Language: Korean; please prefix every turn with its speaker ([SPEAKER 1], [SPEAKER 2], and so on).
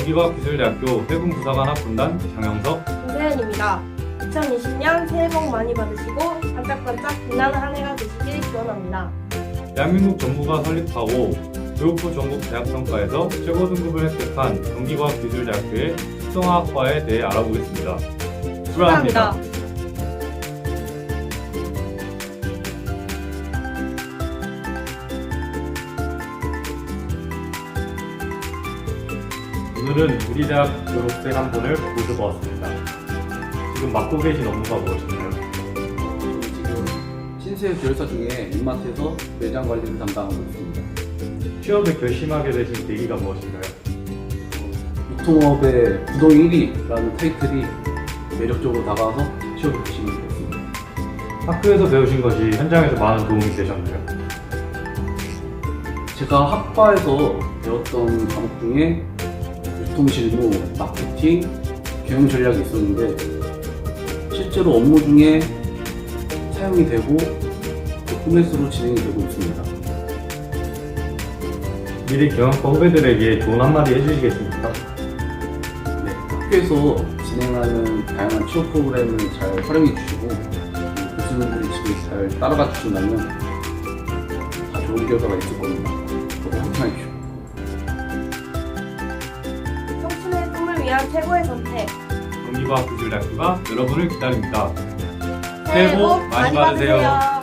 [SPEAKER 1] 경기과학기술대학교 해군부사관 학군단 장영석,
[SPEAKER 2] 김세현입니다. 2020년 새해 복 많이 받으시고 반짝반짝 빛나는 한 해가 되시길 기원합니다.
[SPEAKER 1] 대한민국 정부가 설립하고 교육부 전국 대학평가에서 최고 등급을 획득한 경기과학기술대학교의 특성화학과에 대해 알아보겠습니다. 축하합니다. 오늘은 우리 대학 졸업생 한 분을 모셔보았습니다. 지금 맡고 계신 업무가 무엇인가요?
[SPEAKER 3] 저는 지금 신세 계열사 중에 입마트에서 매장 관리를 담당하고 있습니다.
[SPEAKER 1] 취업을 결심하게 되신 계기가 무엇인가요?
[SPEAKER 3] 유통업의 부동 1위라는 타이틀이 매력적으로 다가와서 취업을 결심하게 됐습니다.
[SPEAKER 1] 학교에서 배우신 것이 현장에서 많은 도움이 되셨나요?
[SPEAKER 3] 제가 학과에서 배웠던 과목 중에 유통실무, 마케팅, 경영 전략이 있었는데 실제로 업무 중에 사용이 되고 포맷으로 진행이 되고 있습니다.
[SPEAKER 1] 미리 경영과 후배들에게 좋은 한마디 해주시겠습니까?
[SPEAKER 3] 네, 학교에서 진행하는 다양한 취업 프로그램을 잘 활용해 주시고 교수님들이 집에 잘 따라가 주신다면 다 좋은 결과가 있을 겁니다. 저도 함께해 주시고.
[SPEAKER 2] 청춘의 꿈을 위한 최고의 선택.
[SPEAKER 1] 경기과학기술대학교가 여러분을 기다립니다. 새해 복 많이 받으세요.